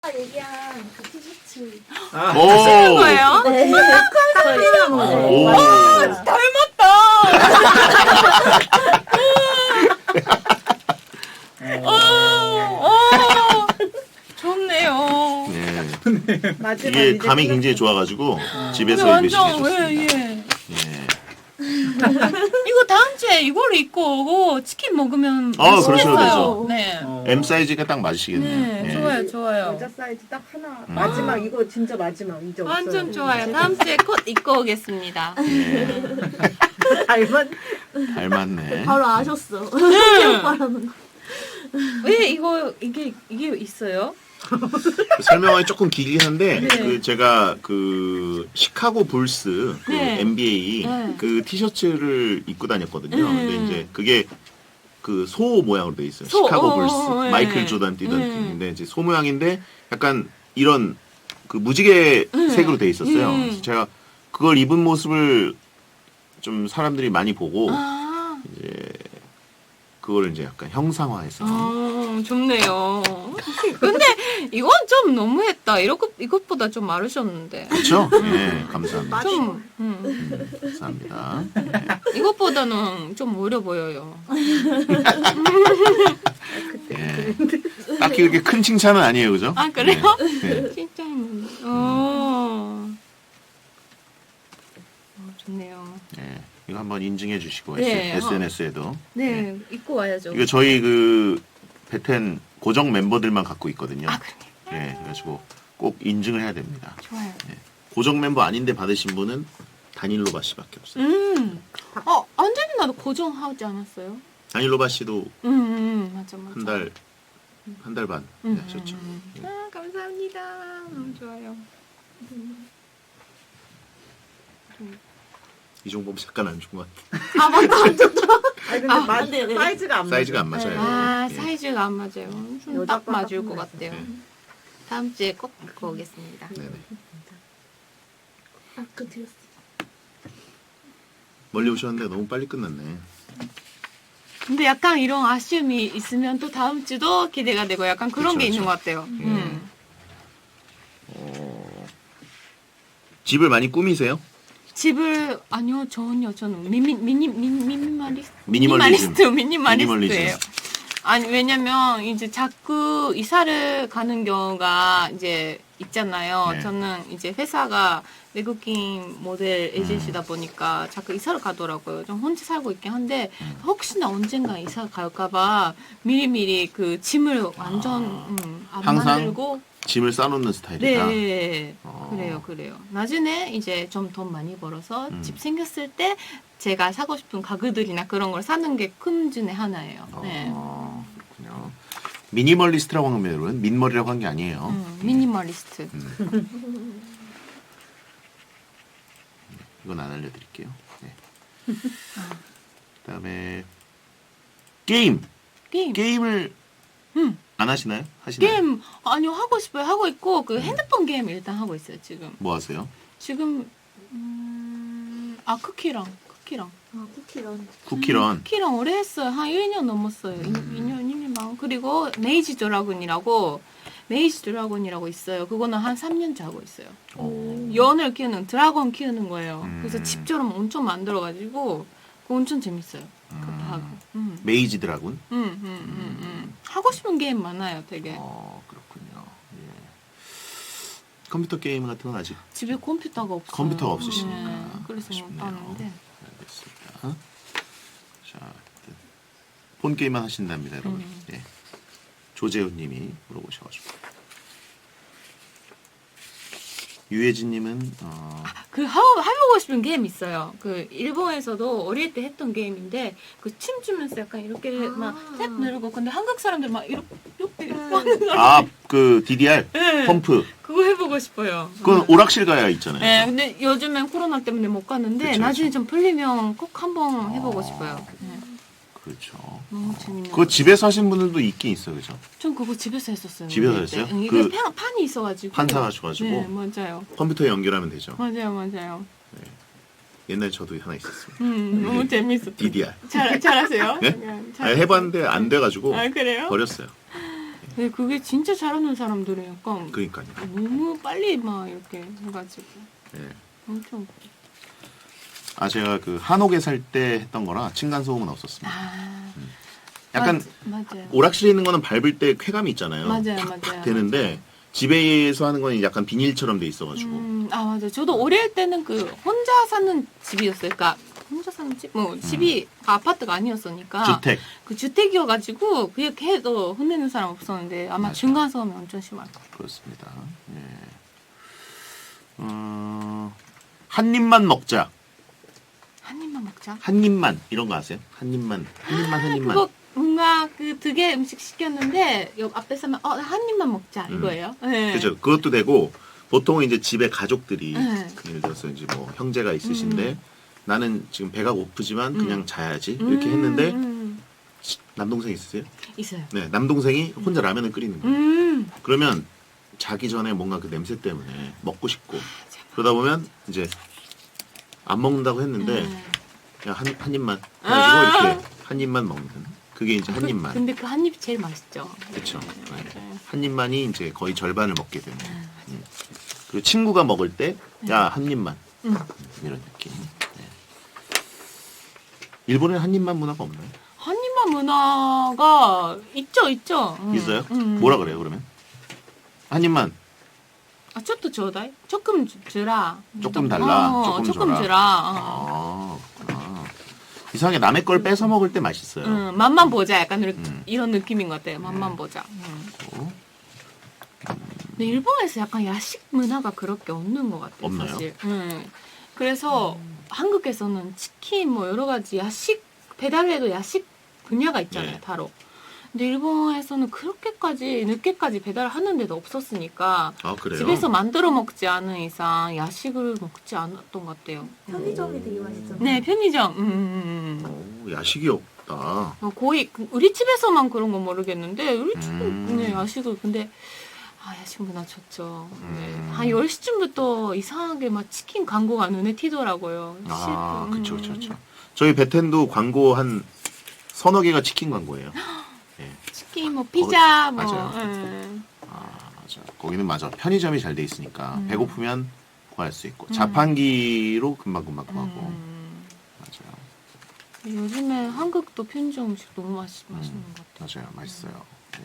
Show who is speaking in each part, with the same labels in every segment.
Speaker 1: 얘기한 그 티셔츠.
Speaker 2: 쓰는 거예요?
Speaker 1: 네.
Speaker 2: 오. 닮았다. 좋네요.
Speaker 3: 네.
Speaker 1: 마지막
Speaker 3: 이게
Speaker 1: 이제
Speaker 3: 감이
Speaker 1: 끝났어.
Speaker 3: 굉장히 좋아가지고 집에서
Speaker 2: 완전
Speaker 3: 입으시겠어요.
Speaker 2: 예.
Speaker 3: 예.
Speaker 2: 이거 다음 주에 이걸 입고 오고 치킨 먹으면
Speaker 3: 그러셔도
Speaker 2: 맛있겠어요.
Speaker 3: 되죠.
Speaker 2: 네.
Speaker 3: M 사이즈가 딱 맞으시겠네요.
Speaker 2: 네,
Speaker 3: 예.
Speaker 2: 좋아요, 좋아요.
Speaker 1: 여자 사이즈 딱 하나. 마지막 이거 진짜 마지막 이제
Speaker 2: 완전
Speaker 1: 없어요.
Speaker 2: 좋아요. 다음 주에 컷 입고 오겠습니다.
Speaker 3: 예.
Speaker 1: 닮았.
Speaker 3: 닮았네.
Speaker 4: 바로 아셨어.
Speaker 2: 왜 이게 있어요?
Speaker 3: 설명하기 조금 길긴 한데
Speaker 2: 네.
Speaker 3: 그 제가 그 시카고 불스 그
Speaker 2: 네.
Speaker 3: NBA
Speaker 2: 네.
Speaker 3: 그 티셔츠를 입고 다녔거든요.
Speaker 2: 네.
Speaker 3: 근데 이제 그게 그 소 모양으로 돼 있어요.
Speaker 2: 소,
Speaker 3: 시카고 불스
Speaker 2: 네.
Speaker 3: 마이클 조던 뛰던
Speaker 2: 네.
Speaker 3: 팀인데 이제 소 모양인데 약간 이런 그 무지개 색으로 돼 있었어요. 그래서 제가 그걸 입은 모습을 좀 사람들이 많이 보고 이제 그거를 이제 약간 형상화해서
Speaker 2: 좋네요. 근데 이건 좀 너무했다. 이것보다 좀 마르셨는데.
Speaker 3: 그렇죠? 예, 감사합니다.
Speaker 2: 좀
Speaker 3: 감사합니다.
Speaker 2: 이것보다는 좀 어려 보여요.
Speaker 3: 예. 딱히 그렇게 큰 칭찬은 아니에요, 그죠?
Speaker 2: 아 그래요?
Speaker 3: 네.
Speaker 2: 진짜. 좋네요.
Speaker 3: 예. 이거 한번 인증해 주시고
Speaker 2: 네.
Speaker 3: SNS에도.
Speaker 2: 네, 입고 와야죠.
Speaker 3: 이거 저희 그 베텐 고정 멤버들만 갖고 있거든요.
Speaker 2: 아 그래요?
Speaker 3: 예, 그래가지고 꼭 인증을 해야 됩니다.
Speaker 2: 좋아요.
Speaker 3: 예. 고정 멤버 아닌데 받으신 분은 다닐로바 씨밖에 없어요.
Speaker 2: 안젤리 나도 고정하지 않았어요?
Speaker 3: 다닐로바 씨도
Speaker 2: 맞아.
Speaker 3: 한 달 반 하셨죠. 예.
Speaker 2: 아 감사합니다. 너무 좋아요.
Speaker 3: 이종범 잠깐 안 준 것 같아.
Speaker 2: 아 맞다.
Speaker 1: 아니 근데
Speaker 4: 네.
Speaker 1: 사이즈가 안 맞아.
Speaker 3: 사이즈가 안 맞아요.
Speaker 2: 아
Speaker 3: 예.
Speaker 2: 사이즈가 안 맞아요. 좀
Speaker 1: 여자
Speaker 2: 딱 맞을 것
Speaker 1: 거랑
Speaker 2: 같아요.
Speaker 3: 네.
Speaker 2: 다음 주에 꼭 입고 오겠습니다.
Speaker 3: 네네.
Speaker 4: 아그 드렸어.
Speaker 3: 멀리 오셨는데 너무 빨리 끝났네.
Speaker 2: 근데 약간 이런 아쉬움이 있으면 또 다음 주도 기대가 되고 약간 그런
Speaker 3: 그쵸,
Speaker 2: 게 있는
Speaker 3: 그쵸.
Speaker 2: 것 같아요.
Speaker 3: 집을 많이 꾸미세요?
Speaker 2: 집을 아니요 저는 미니멀리스트
Speaker 3: 미니멀리즘.
Speaker 2: 미니멀리스트예요. 아니 왜냐면 이제 자꾸 이사를 가는 경우가 이제 있잖아요.
Speaker 3: 네.
Speaker 2: 저는 이제 회사가 외국인 모델 에이전시다 보니까 자꾸 이사를 가더라고요. 좀 혼자 살고 있긴 한데 혹시나 언젠가 이사 갈까봐 미리미리 그 짐을 완전 안
Speaker 3: 항상
Speaker 2: 만들고
Speaker 3: 짐을 싸놓는 스타일이다.
Speaker 2: 네, 그래요. 나중에 이제 좀 돈 많이 벌어서 집 생겼을 때 제가 사고 싶은 가구들이나 그런 걸 사는 게 큰 중에 하나예요. 네.
Speaker 3: 그렇군요. 미니멀리스트라고 하는 분은 민머리라고 한 게 아니에요.
Speaker 2: 미니멀리스트.
Speaker 3: 이건 안 알려드릴게요. 네. 그다음에 게임. 게임을 안 하시나요? 하시나요?
Speaker 2: 게임 아니요 하고 싶어요. 하고 있고 그 핸드폰 게임 일단 하고 있어요 지금.
Speaker 3: 뭐 하세요?
Speaker 2: 지금 쿠키랑
Speaker 4: 아 쿠키런.
Speaker 3: 쿠키런.
Speaker 2: 오래 했어요. 한 1년 넘었어요. 2년 반. 그리고 메이지 드라군이라고 있어요. 그거는 한 3년째 하고 있어요. 연을 키우는 드라곤 키우는 거예요. 그래서 집처럼 엄청 만들어가지고 그거 엄청 재밌어요. 그것도 하고.
Speaker 3: 메이지 드라군.
Speaker 2: 하고 싶은 게임 많아요, 되게.
Speaker 3: 그렇군요. 예. 컴퓨터 게임 같은 건 아직
Speaker 2: 집에 컴퓨터가 없어요.
Speaker 3: 컴퓨터가 없으시니까.
Speaker 2: 네, 그래서 못
Speaker 3: 아쉽네요.
Speaker 2: 하는데.
Speaker 3: 알겠습니다. 자, 폰 게임만 하신답니다, 여러분. 예. 조재훈님이 물어보셔가지고. 유혜진님은
Speaker 2: 그 해보고 싶은 게임 있어요. 그 일본에서도 어릴 때 했던 게임인데 그 춤추면서 약간 이렇게 막 탭 누르고 근데 한국 사람들 막 이렇게 하는 거.
Speaker 3: 그 DDR
Speaker 2: 네.
Speaker 3: 펌프.
Speaker 2: 그거 해보고 싶어요.
Speaker 3: 그건 오락실 가야 있잖아요.
Speaker 2: 네, 근데 요즘엔 코로나 때문에 못 가는데
Speaker 3: 그쵸,
Speaker 2: 나중에
Speaker 3: 그쵸.
Speaker 2: 좀 풀리면 꼭 한번 해보고 싶어요. 네.
Speaker 3: 그렇죠.
Speaker 2: 너무 재밌는.
Speaker 3: 그거 집에서 하신 분들도 있긴 있어요, 그죠?
Speaker 2: 전 그거 집에서 했었어요.
Speaker 3: 집에서
Speaker 2: 어릴 때.
Speaker 3: 했어요?
Speaker 2: 이게
Speaker 3: 그
Speaker 2: 판이 있어가지고.
Speaker 3: 판 사가지고
Speaker 2: 네, 맞아요.
Speaker 3: 컴퓨터에 연결하면 되죠.
Speaker 2: 맞아요.
Speaker 3: 옛날에 저도 하나 있었습니다.
Speaker 2: 너무 재밌었어요.
Speaker 3: DDR.
Speaker 2: 잘하세요?
Speaker 3: 네? 해봤는데 안 돼가지고
Speaker 2: 아, 그래요?
Speaker 3: 버렸어요.
Speaker 2: 근데 그게 진짜 잘하는 사람들은 약간
Speaker 3: 그러니까요.
Speaker 2: 너무 빨리 막 이렇게 해가지고
Speaker 3: 예.
Speaker 2: 엄청
Speaker 3: 아 제가 그 한옥에 살 때 했던 거라 층간 소음은 없었습니다. 약간
Speaker 2: 맞아요.
Speaker 3: 오락실에 있는 거는 밟을 때 쾌감이 있잖아요.
Speaker 2: 맞아요,
Speaker 3: 팍팍
Speaker 2: 맞아요.
Speaker 3: 되는데 집에서 하는 거는 약간 비닐처럼 돼 있어가지고.
Speaker 2: 아 맞아요. 저도 어릴 때는 그 혼자 사는 집이었어요. 그러니까 혼자 사는 집, 뭐 집이 아파트가 아니었으니까
Speaker 3: 주택.
Speaker 2: 그 주택이어가지고 그렇게 해도 혼내는 사람 없었는데 아마
Speaker 3: 맞아요.
Speaker 2: 중간소음이 엄청 심할 거예요.
Speaker 3: 그렇습니다. 예. 한 입만 먹자.
Speaker 2: 한 입만 먹자.
Speaker 3: 한 입만 이런 거 아세요? 한 입만.
Speaker 2: 그거 뭔가 그 두 개 음식 시켰는데 옆 앞에 서면 한 입만 먹자 이거예요. 네.
Speaker 3: 그죠. 그것도 되고 보통은 이제 집에 가족들이
Speaker 2: 네.
Speaker 3: 예를 들어서 이제 뭐 형제가 있으신데 나는 지금 배가 고프지만 그냥 자야지 이렇게 했는데 남동생 있으세요?
Speaker 2: 있어요.
Speaker 3: 네, 남동생이 혼자 라면을 끓이는 거예요.
Speaker 2: 음.
Speaker 3: 그러면 자기 전에 뭔가 그 냄새 때문에 먹고 싶고 그러다 보면 이제 안 먹는다고 했는데 그냥 한 입만 해가지고 이렇게 한 입만 먹는 그게 이제 한 입만.
Speaker 2: 근데 그 한 입이 제일 맛있죠.
Speaker 3: 그렇죠.
Speaker 2: 네, 맞아요.
Speaker 3: 한 입만이 이제 거의 절반을 먹게 되는. 그리고 친구가 먹을 때 야 한 입만 이런 느낌. 네. 일본에 한 입만 문화가 없나요?
Speaker 2: 한 입만 문화가 있죠.
Speaker 3: 있어요? 뭐라 그래요 그러면? 한 입만
Speaker 2: 아, 쪼또 줘다이? 조금 주라.
Speaker 3: 조금 달라.
Speaker 2: 조금
Speaker 3: 줘라.
Speaker 2: 주라.
Speaker 3: 아, 그렇구나. 이상하게 남의 걸 뺏어 먹을 때 맛있어요.
Speaker 2: 맛만 보자. 약간 이런 느낌인 것 같아요. 맛만 보자.
Speaker 3: 어?
Speaker 2: 근데 일본에서 약간 야식 문화가 그렇게 없는 것 같아요.
Speaker 3: 없나요?
Speaker 2: 사실. 그래서 한국에서는 치킨 뭐 여러 가지 야식 배달해도 야식 분야가 있잖아요.
Speaker 3: 네.
Speaker 2: 바로. 근데 일본에서는 그렇게까지 늦게까지 배달하는 데도 없었으니까
Speaker 3: 아 그래요?
Speaker 2: 집에서 만들어 먹지 않은 이상 야식을 먹지 않았던 것 같아요.
Speaker 4: 편의점이 되게 맛있잖아요.
Speaker 2: 네, 편의점.
Speaker 3: 오, 야식이 없다.
Speaker 2: 거의 우리 집에서만 그런 건 모르겠는데 우리 집은
Speaker 3: 음.
Speaker 2: 네, 야식을 근데 야식 문화 좋죠. 네. 한 10시쯤부터 이상하게 막 치킨 광고가 눈에 띄더라고요.
Speaker 3: 아, 그쵸. 저희 베텐도 광고 한 서너 개가 치킨 광고예요. 예.
Speaker 2: 치킨, 뭐 피자, 뭐.
Speaker 3: 맞아요. 맞아. 거기는 맞아. 편의점이 잘 돼 있으니까 배고프면 구할 수 있고 자판기로 금방금방 구하고. 맞아요.
Speaker 2: 요즘에 한국도 편의점 음식 너무 맛있는 것 같아요.
Speaker 3: 맞아요. 맛있어요. 네.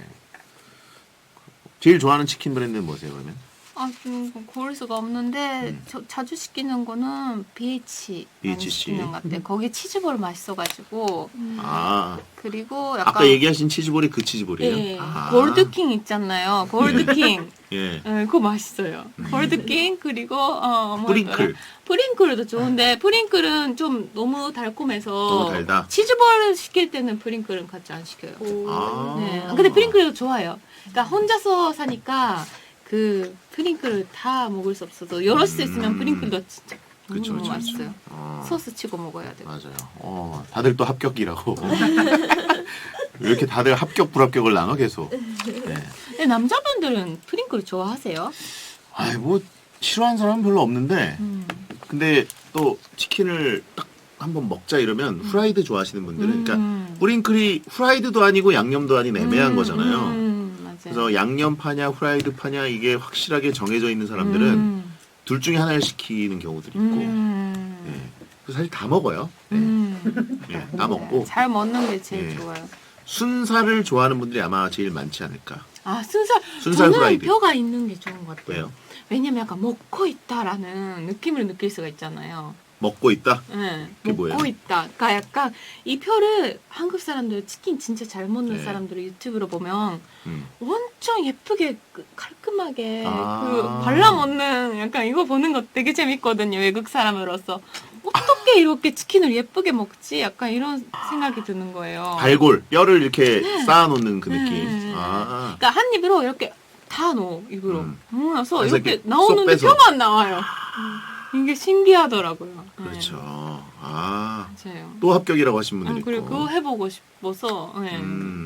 Speaker 3: 제일 좋아하는 치킨 브랜드는 뭐세요, 그러면?
Speaker 2: 좀 고를 수가 없는데 자주 시키는 거는 BH 많이
Speaker 3: BHC.
Speaker 2: 시키는 것 같아요. 거기 치즈볼 맛있어가지고
Speaker 3: 아,
Speaker 2: 그리고 약간
Speaker 3: 아까 얘기하신 치즈볼이 그 치즈볼이에요?
Speaker 2: 예,
Speaker 3: 아.
Speaker 2: 골드킹 있잖아요. 골드킹.
Speaker 3: 예.
Speaker 2: 그거 맛있어요. 골드킹 그리고
Speaker 3: 뿌링클.
Speaker 2: 프링클도 좋은데 프링클은 좀 너무 달콤해서
Speaker 3: 너무 달다.
Speaker 2: 치즈볼 시킬 때는 프링클은 같이 안 시켜요.
Speaker 3: 아.
Speaker 2: 네. 근데 프링클도 좋아요. 그러니까 혼자서 사니까 그 프링클을 다 먹을 수 없어도 여럿이 있으면 프링클도 진짜 너무 맛있어요. 소스 치고 먹어야 돼요.
Speaker 3: 맞아요. 다들 또 합격이라고. 왜 이렇게 다들 합격 불합격을 나눠 계속. 네.
Speaker 2: 근데 남자분들은 프링클 좋아하세요?
Speaker 3: 아이 뭐 싫어하는 사람은 별로 없는데 근데 또 치킨을 딱 한번 먹자 이러면 후라이드 좋아하시는 분들은 그러니까 뿌링클이 후라이드도 아니고 양념도 아닌 애매한 거잖아요.
Speaker 2: 맞아요.
Speaker 3: 그래서 양념 파냐 후라이드 파냐 이게 확실하게 정해져 있는 사람들은 둘 중에 하나를 시키는 경우들이 있고 네. 그래서 사실 다 먹어요. 네. 네, 다 먹고
Speaker 2: 잘 먹는 게 제일
Speaker 3: 네.
Speaker 2: 좋아요.
Speaker 3: 순살을 좋아하는 분들이 아마 제일 많지 않을까.
Speaker 2: 순살
Speaker 3: 순살
Speaker 2: 저는
Speaker 3: 후라이드.
Speaker 2: 뼈가 있는 게 좋은 것 같아요.
Speaker 3: 왜요?
Speaker 2: 왜냐면 약간 먹고 있다라는 느낌을 느낄 수가 있잖아요.
Speaker 3: 먹고 있다?
Speaker 2: 네,
Speaker 3: 그게
Speaker 2: 먹고
Speaker 3: 뭐예요?
Speaker 2: 있다. 그러니까 약간 이 표를 한국 사람들 치킨 진짜 잘 먹는
Speaker 3: 네.
Speaker 2: 사람들 유튜브로 보면
Speaker 3: 음.
Speaker 2: 엄청 예쁘게 깔끔하게
Speaker 3: 아.
Speaker 2: 발라 먹는 약간 이거 보는 거 되게 재밌거든요. 외국 사람으로서 어떻게 이렇게 치킨을 예쁘게 먹지? 약간 이런 생각이 드는 거예요.
Speaker 3: 발골 뼈를 이렇게 쌓아놓는 그 느낌. 아.
Speaker 2: 그러니까 한 입으로 이렇게 다 넣어 입으로. 그래서
Speaker 3: 그래서
Speaker 2: 이렇게
Speaker 3: 이렇게
Speaker 2: 나오는데
Speaker 3: 쏙 빼서.
Speaker 2: 뼈만 나와요. 이게 신기하더라고요.
Speaker 3: 그렇죠. 아.
Speaker 2: 네, 맞아요.
Speaker 3: 또 합격이라고 하신 분들이 있고.
Speaker 2: 그리고 그거 해보고 싶어서. 네.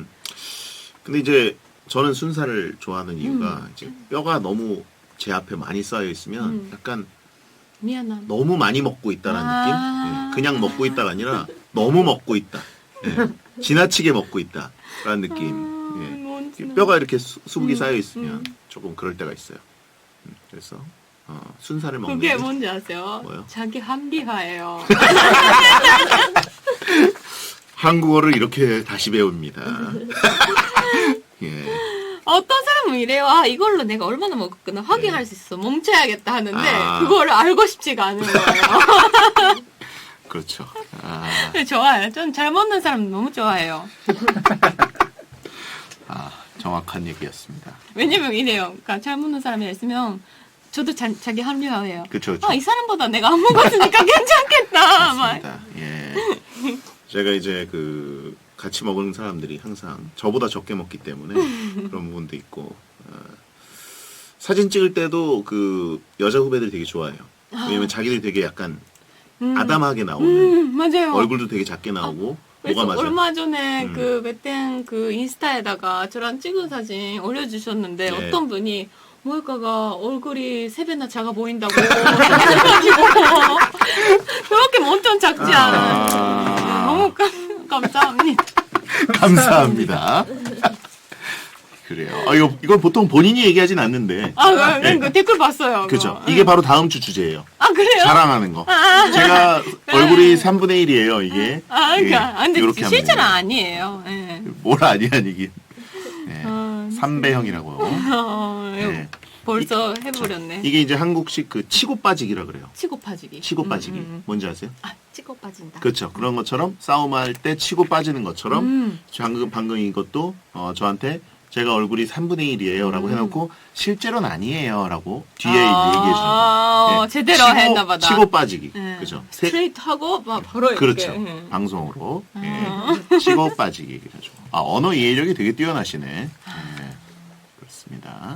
Speaker 3: 근데 이제 저는 순살을 좋아하는 이유가 이제 뼈가 너무 제 앞에 많이 쌓여 있으면 약간
Speaker 2: 미안함.
Speaker 3: 너무 많이 먹고 있다라는
Speaker 2: 아.
Speaker 3: 느낌? 예, 그냥 먹고 있다가 아니라 너무 먹고 있다. 예, 지나치게 먹고 있다라는 느낌. 예. 뼈가 이렇게 수북이 쌓여 있으면 조금 그럴 때가 있어요. 그래서 순살을 먹는
Speaker 2: 그게
Speaker 3: 게
Speaker 2: 뭔지 아세요?
Speaker 3: 뭐요?
Speaker 2: 자기 합리화예요.
Speaker 3: 한국어를 이렇게 다시 배웁니다. 예.
Speaker 2: 어떤 사람은 이래요. 아, 이걸로 내가 얼마나 먹었구나 확인할 수 있어. 멈춰야겠다 하는데
Speaker 3: 아.
Speaker 2: 그거를 알고 싶지가 않은 거예요.
Speaker 3: 그렇죠. 아,
Speaker 2: 좋아요. 전 잘 먹는 사람 너무 좋아해요.
Speaker 3: 정확한 얘기였습니다.
Speaker 2: 왜냐면 이래요. 그러니까 잘 먹는 사람이 있으면 저도 자기 합리화해요.
Speaker 3: 그쵸, 그쵸.
Speaker 2: 아, 이 사람보다 내가 안 먹었으니까 괜찮겠다. 막.
Speaker 3: 맞습니다. 예. 제가 이제 같이 먹는 사람들이 항상 저보다 적게 먹기 때문에 그런 부분도 있고, 사진 찍을 때도 여자 후배들이 되게 좋아해요. 왜냐면 자기들이 되게 약간 아담하게 나오는,
Speaker 2: 맞아요.
Speaker 3: 얼굴도 되게 작게 나오고,
Speaker 2: 그래서
Speaker 3: 뭐가 맞아요.
Speaker 2: 얼마 전에 몇 인스타에다가 저랑 찍은 사진 올려주셨는데
Speaker 3: 네.
Speaker 2: 어떤 분이 모에카가 얼굴이 3배나 작아 보인다고 해가지고 그렇게 엄청 작지 않아요. 너무 감사합니다.
Speaker 3: 감사합니다. 그래요. 이건 보통 본인이 얘기하진 않는데.
Speaker 2: 그 댓글 봤어요.
Speaker 3: 그죠.
Speaker 2: 그거.
Speaker 3: 이게 바로 다음 주 주제예요.
Speaker 2: 아, 그래요?
Speaker 3: 자랑하는 거. 제가 얼굴이 3분의 1이에요, 이게.
Speaker 2: 근데
Speaker 3: 이렇게 하면
Speaker 2: 실제는
Speaker 3: 돼요.
Speaker 2: 아니에요. 예.
Speaker 3: 뭘 아니긴. 예. 3배형이라고요. 예.
Speaker 2: 벌써 해버렸네.
Speaker 3: 이게 이제 한국식 치고 빠지기라 그래요.
Speaker 2: 치고 빠지기.
Speaker 3: 치고 빠지기. 뭔지 아세요?
Speaker 2: 치고 빠진다.
Speaker 3: 그렇죠. 그런 것처럼 싸움할 때 치고 빠지는 것처럼 방금 이것도 저한테 제가 얼굴이 3분의 1이에요 라고 해놓고 실제로는 아니에요 라고 뒤에 이제 얘기해 주는 거예요.
Speaker 2: 제대로 했나 보다.
Speaker 3: 치고 빠지기.
Speaker 2: 예.
Speaker 3: 그죠.
Speaker 2: 스트레이트 하고 막 바로 이렇게.
Speaker 3: 그렇죠. 방송으로. 치고 빠지기. 그렇죠. 언어 이해력이 되게 뛰어나시네. 그렇습니다.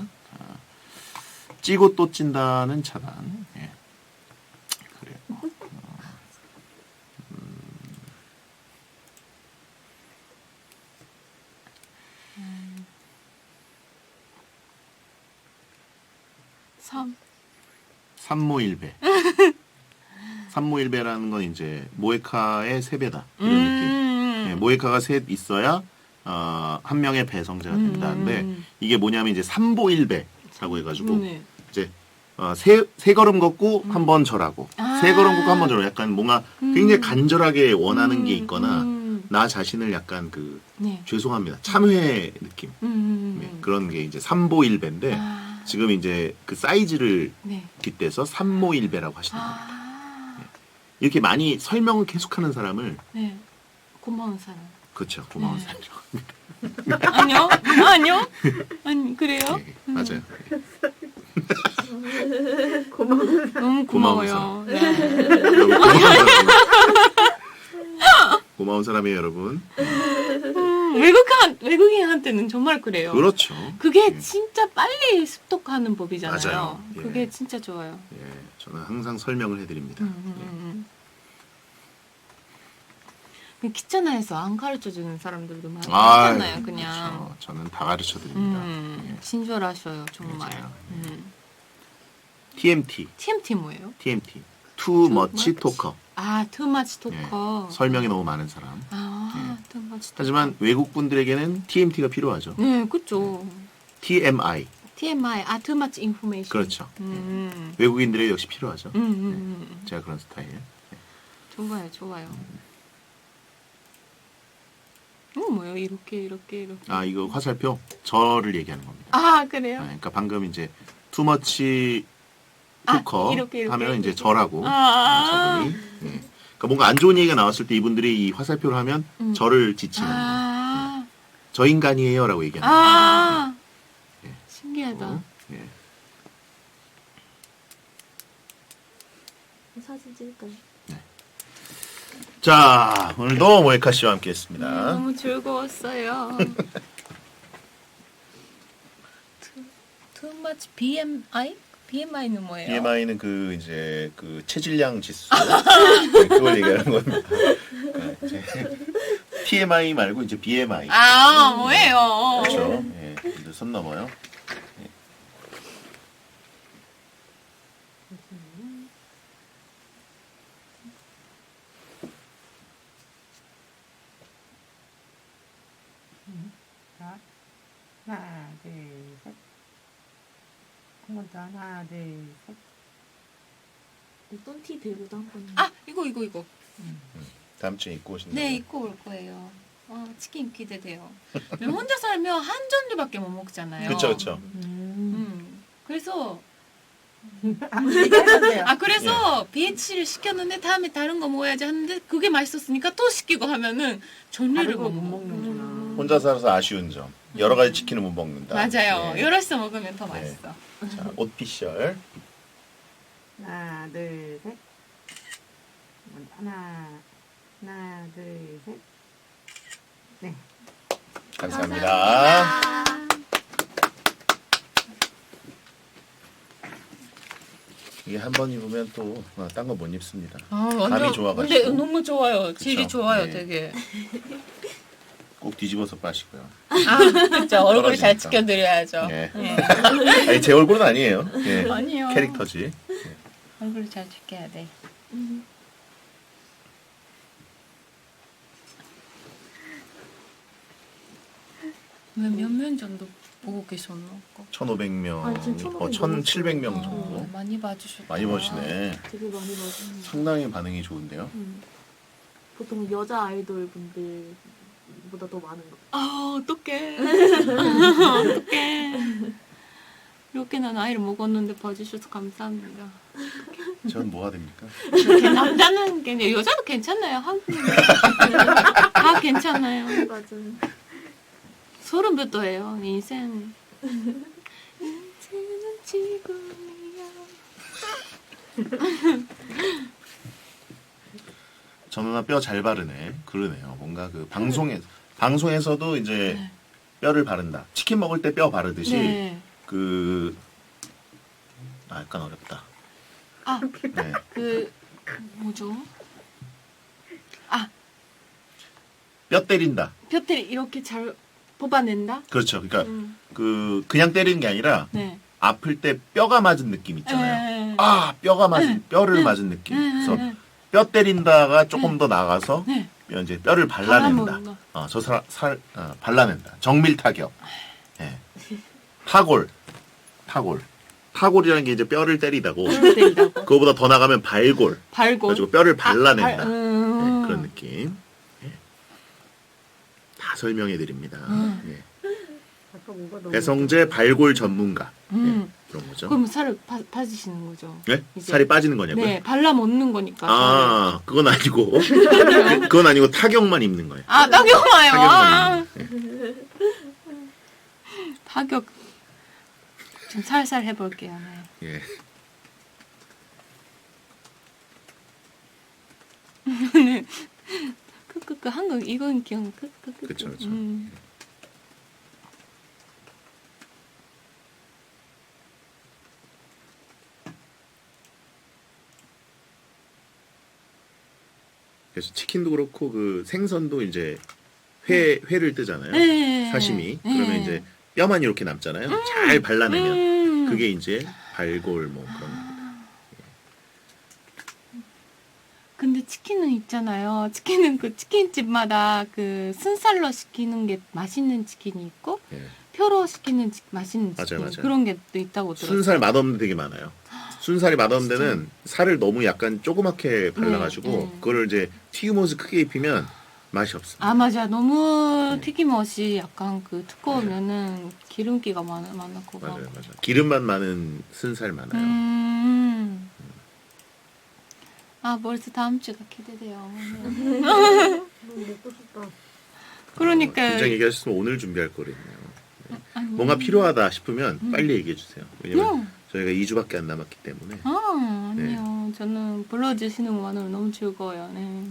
Speaker 3: 찌고 또 찐다는 차단. 예. 그래요. 삼모일배. 삼모일배라는 건 이제 모에카의 3배다. 이런 느낌. 예, 모에카가 3 있어야 한 명의 배성자가 된다는데 이게 뭐냐면 이제 삼보일배라고 해가지고 이제 세 걸음 걷고 한 번 절하고 세 걸음 걷고 한 번 절하고 약간 뭔가 굉장히 간절하게 원하는 게 있거나 나 자신을 약간 죄송합니다 참회 느낌 그런 게 이제 삼보일배인데 지금 이제 그 사이즈를 빗대서 삼모일배라고 하시더라고요. 이렇게 많이 설명을 계속하는 사람을
Speaker 2: 고마운 사람.
Speaker 3: 그렇죠 고마운 사람이죠.
Speaker 2: 아니요? 아니 그래요?
Speaker 3: 맞아요.
Speaker 2: 너무 고마워요.
Speaker 3: 고마운 사람이에요, 여러분.
Speaker 2: 외국인한테는 정말 그래요.
Speaker 3: 그렇죠.
Speaker 2: 그게 진짜 빨리 습득하는 법이잖아요.
Speaker 3: 맞아요. 예.
Speaker 2: 그게 진짜 좋아요.
Speaker 3: 예, 저는 항상 설명을 해드립니다.
Speaker 2: 귀찮아해서 안 가르쳐주는 사람들도 많잖아요. 그냥.
Speaker 3: 그렇죠. 저는 다 가르쳐드립니다. 예.
Speaker 2: 친절하셔요, 정말.
Speaker 3: 맞아요. TMT.
Speaker 2: TMT 뭐예요?
Speaker 3: TMT. Too much talker.
Speaker 2: too much talker.
Speaker 3: 설명이 너무 많은 사람.
Speaker 2: too much talker.
Speaker 3: 하지만 외국 분들에게는 TMT가 필요하죠.
Speaker 2: 네, 그렇죠.
Speaker 3: TMI.
Speaker 2: TMI, too much information.
Speaker 3: 그렇죠. 외국인들에게 역시 필요하죠. 제가 그런 스타일.
Speaker 2: 좋아요. 뭐예요? 이렇게.
Speaker 3: 이거 화살표 저를 얘기하는 겁니다.
Speaker 2: 그래요?
Speaker 3: 그러니까 방금 이제 too much 토커
Speaker 2: 이렇게.
Speaker 3: 하면 이제 저라고 저분이. 그러니까 뭔가 안 좋은 얘기가 나왔을 때 이분들이 이 화살표를 하면 저를 지칭하는 거예요. 저 인간이에요라고 얘기하는 거예요.
Speaker 2: 신기하다.
Speaker 4: 사진 찍을까요?
Speaker 3: 자, 오늘도 모에카 씨와 함께했습니다.
Speaker 2: 너무 즐거웠어요. Too much BMI? BMI는 뭐예요?
Speaker 3: BMI는 이제 체질량 지수 그걸 얘기하는 겁니다. 이제 TMI 말고 이제 BMI.
Speaker 2: 뭐예요?
Speaker 3: 그렇죠. 예, 이제 선 넘어요.
Speaker 1: 하나, 둘, 셋. 한 번 더. 하나, 둘, 셋.
Speaker 4: 똠티 대구도 한번.
Speaker 2: 아 이거.
Speaker 3: 다음 주에 입고 오신다.
Speaker 2: 네 입고 올 거예요. 치킨 기대돼요. 혼자 살면 한 종류밖에 못 먹잖아요.
Speaker 3: 그렇죠.
Speaker 2: 그래서
Speaker 1: 얘기하셨네요.
Speaker 2: 그래서 BH를 시켰는데 다음에 다른 거 먹어야지 하는데 그게 맛있었으니까 또 시키고 하면은 종류를
Speaker 1: 다른
Speaker 2: 못
Speaker 1: 거못
Speaker 2: 먹는.
Speaker 1: 먹는구나.
Speaker 3: 혼자 살아서 아쉬운 점. 여러 가지 치킨을 못 먹는다.
Speaker 2: 맞아요.
Speaker 3: 네.
Speaker 2: 여럿이서 먹으면 더
Speaker 3: 네.
Speaker 2: 맛있어.
Speaker 3: 자, 옷피셜.
Speaker 1: 하나, 둘, 셋. 하나, 둘, 셋. 네.
Speaker 3: 감사합니다. 이게 한 번 입으면 또 딴 거 못 입습니다. 감이 좋아가지고.
Speaker 2: 근데 너무 좋아요. 질이
Speaker 3: 그쵸?
Speaker 2: 좋아요,
Speaker 3: 네.
Speaker 2: 되게.
Speaker 3: 꼭 뒤집어서 빠시고요.
Speaker 2: 진짜 얼굴 잘
Speaker 3: 떨어지니까.
Speaker 2: 지켜드려야죠.
Speaker 3: 네.
Speaker 2: 네.
Speaker 3: 아니, 제 얼굴은 아니에요. 예.
Speaker 2: 아니요.
Speaker 3: 캐릭터지.
Speaker 2: 얼굴 잘 지켜야 돼. 몇 명 정도 보고 계셨나?
Speaker 3: 1,500명,
Speaker 4: 아니, 지금
Speaker 3: 1,700명 정도.
Speaker 2: 많이 봐주셨다.
Speaker 3: 많이 보시네.
Speaker 4: 되게 많이 봐주는.
Speaker 3: 상당히 반응이 좋은데요.
Speaker 4: 보통 여자 아이돌 분들보다 더 많은 거.
Speaker 2: 어떡해. 어떡해. 이렇게 난 아이를 먹었는데 봐주셔서 감사합니다.
Speaker 3: 전 뭐가 됩니까?
Speaker 2: 남자는 여자도 괜찮아요. 한국인 다 괜찮아요.
Speaker 4: 맞아요.
Speaker 2: 소름부터 해요. 인생. 인생은 지금이야.
Speaker 3: 저 누나 뼈 잘 바르네. 그러네요. 뭔가 그 방송에서도 이제
Speaker 2: 네.
Speaker 3: 뼈를 바른다. 치킨 먹을 때 뼈 바르듯이
Speaker 2: 네.
Speaker 3: 약간 어렵다.
Speaker 2: 네. 뭐죠?
Speaker 3: 뼈 때린다.
Speaker 2: 뼈를 이렇게 잘 뽑아낸다?
Speaker 3: 그렇죠. 그러니까 그냥 때리는 게 아니라
Speaker 2: 네.
Speaker 3: 아플 때 뼈가 맞은 느낌 있잖아요.
Speaker 2: 네.
Speaker 3: 뼈를 맞은 느낌. 그래서 뼈 때린다가 조금 더 나가서
Speaker 2: 네.
Speaker 3: 이제 뼈를 발라낸다.
Speaker 2: 발라먹는다.
Speaker 3: 발라낸다. 정밀 타격. 예. 타골이라는 게 이제 뼈를 때리다고.
Speaker 2: 때리다고.
Speaker 3: 그거보다 더 나가면 발골.
Speaker 2: 발골.
Speaker 3: 가지고 뼈를 발라낸다.
Speaker 2: 발-
Speaker 3: 네, 그런 느낌. 예. 다 설명해 드립니다. 예.
Speaker 1: 아까 뭐가 너무
Speaker 3: 배성재 발골 전문가.
Speaker 2: 음.
Speaker 3: 예, 그런 거죠.
Speaker 2: 그럼 살을 빠지시는 거죠?
Speaker 3: 네?
Speaker 2: 이제.
Speaker 3: 살이 빠지는 거냐고요?
Speaker 2: 네, 발라 먹는 거니까.
Speaker 3: 그건 아니고. 그건 아니고 타격만 입는 거예요.
Speaker 2: 타격마요.
Speaker 3: 타격만 입는 거예요.
Speaker 2: 타격. 좀 살살 해볼게요. 네.
Speaker 3: 예.
Speaker 2: 크크크 한국 이건 기억. 크크크.
Speaker 3: 그쵸, 그쵸. 그래서 치킨도 그렇고 그 생선도 이제 회를 뜨잖아요.
Speaker 2: 네.
Speaker 3: 사시미.
Speaker 2: 네.
Speaker 3: 그러면 이제 뼈만 이렇게 남잖아요. 잘 발라내면 그게 이제 발골 뭐 그런 겁니다.
Speaker 2: 근데 치킨은 있잖아요. 치킨은 그 치킨집마다 그 순살로 시키는 게 맛있는 치킨이 있고
Speaker 3: 예.
Speaker 2: 표로 시키는 맛있는 치킨
Speaker 3: 맞아요.
Speaker 2: 그런 게 또 있다고 들었어요.
Speaker 3: 순살 맛없는 데 되게 많아요. 순살이 맛없는 데는 살을 너무 약간 조그맣게 발라가지고
Speaker 2: 네.
Speaker 3: 그거를 이제 튀김옷을 크게 입히면 맛이 없습니다.
Speaker 2: 맞아. 너무 튀김옷이 약간 그 두꺼우면은 기름기가 많고.
Speaker 3: 맞아요. 기름만 많은 순살 많아요.
Speaker 2: 벌써 다음 주가 기대돼요.
Speaker 1: 너무 먹고 싶다.
Speaker 2: 그러니까
Speaker 3: 굉장히 얘기하셨으면 오늘 준비할 거거든요.
Speaker 2: 아니,
Speaker 3: 뭔가 필요하다 싶으면 빨리 얘기해 주세요. 왜냐면 저희가 2주밖에 안 남았기 때문에.
Speaker 2: 아니요. 저는 불러주시는 것만으로 너무 즐거워요. 네.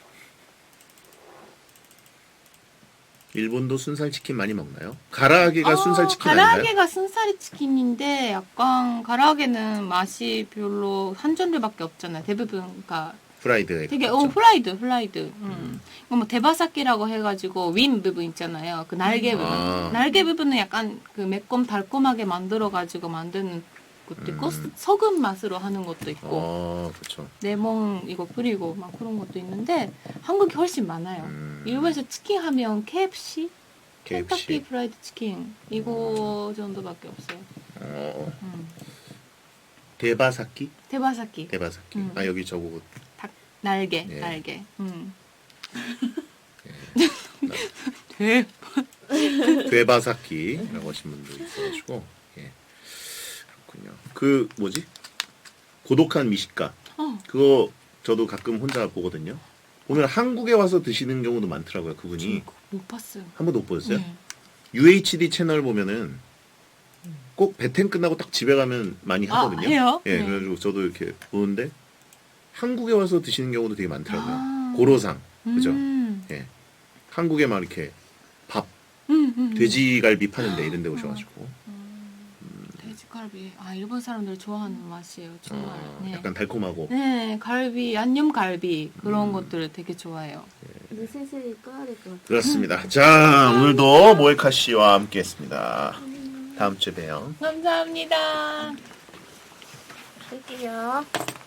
Speaker 3: 일본도 순살 치킨 많이 먹나요? 가라아게가 순살 치킨 아닌가요?
Speaker 2: 가라아게가 순살 치킨인데 약간 가라아게는 맛이 별로 한 종류밖에 없잖아요. 대부분가
Speaker 3: 프라이드
Speaker 2: 되게
Speaker 3: 그렇죠?
Speaker 2: 프라이드. 이거 뭐 대바사키라고 해가지고 윈 부분 있잖아요. 그 날개 부분. 날개 부분은 약간 그 매콤 달콤하게 만들어가지고 만드는 것도 있고 소금 맛으로 하는 것도 있고
Speaker 3: 그렇죠.
Speaker 2: 레몬 이거 뿌리고 막 그런 것도 있는데 한국이 훨씬 많아요. 일본에서 치킨 하면 KFC
Speaker 3: KFC.
Speaker 2: 켄터키 프라이드 치킨 이거 정도밖에 없어요.
Speaker 3: 대바사키?
Speaker 2: 테바사키
Speaker 3: 대바사키.
Speaker 2: 음.
Speaker 3: 아 여기 저거
Speaker 2: 닭 날개
Speaker 3: 예.
Speaker 2: 날개.
Speaker 3: 예.
Speaker 2: 돼.
Speaker 3: 괴바사키라고 하신 분도 있어가지고 예. 그렇군요. 그 뭐지? 고독한 미식가 그거 저도 가끔 혼자 보거든요. 오늘 한국에 와서 드시는 경우도 많더라고요. 그분이
Speaker 2: 그거 못 봤어요.
Speaker 3: 한 번도 못 보셨어요?
Speaker 2: 네.
Speaker 3: UHD 채널 보면은 꼭 배텐 끝나고 딱 집에 가면 많이 하거든요.
Speaker 2: 해요?
Speaker 3: 예,
Speaker 2: 네.
Speaker 3: 그래가지고 저도 이렇게 보는데 한국에 와서 드시는 경우도 되게 많더라고요.
Speaker 2: 아.
Speaker 3: 고로상 그죠?
Speaker 2: 음.
Speaker 3: 예, 한국에 막 이렇게 밥
Speaker 2: 음.
Speaker 3: 돼지갈비 파는데 이런 데 오셔가지고
Speaker 2: 돼지갈비. 아 일본 사람들 좋아하는 맛이에요. 정말. 네.
Speaker 3: 약간 달콤하고
Speaker 2: 네, 갈비, 양념 갈비 그런 것들을 되게 좋아해요.
Speaker 4: 이제 슬슬 꺼야 될 것 같아요.
Speaker 3: 그렇습니다. 자 오늘도 모에카 씨와 함께했습니다. 다음 주에 봬요.
Speaker 2: 감사합니다.
Speaker 4: 할게요.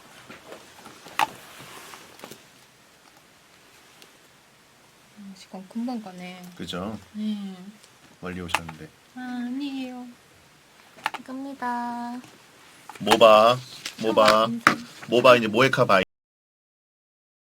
Speaker 2: 시간 금방 가네.
Speaker 3: 그죠?
Speaker 2: 네.
Speaker 3: 멀리 오셨는데
Speaker 2: 아니에요.
Speaker 4: 갑니다.
Speaker 3: 모바 이제 모에카 바이.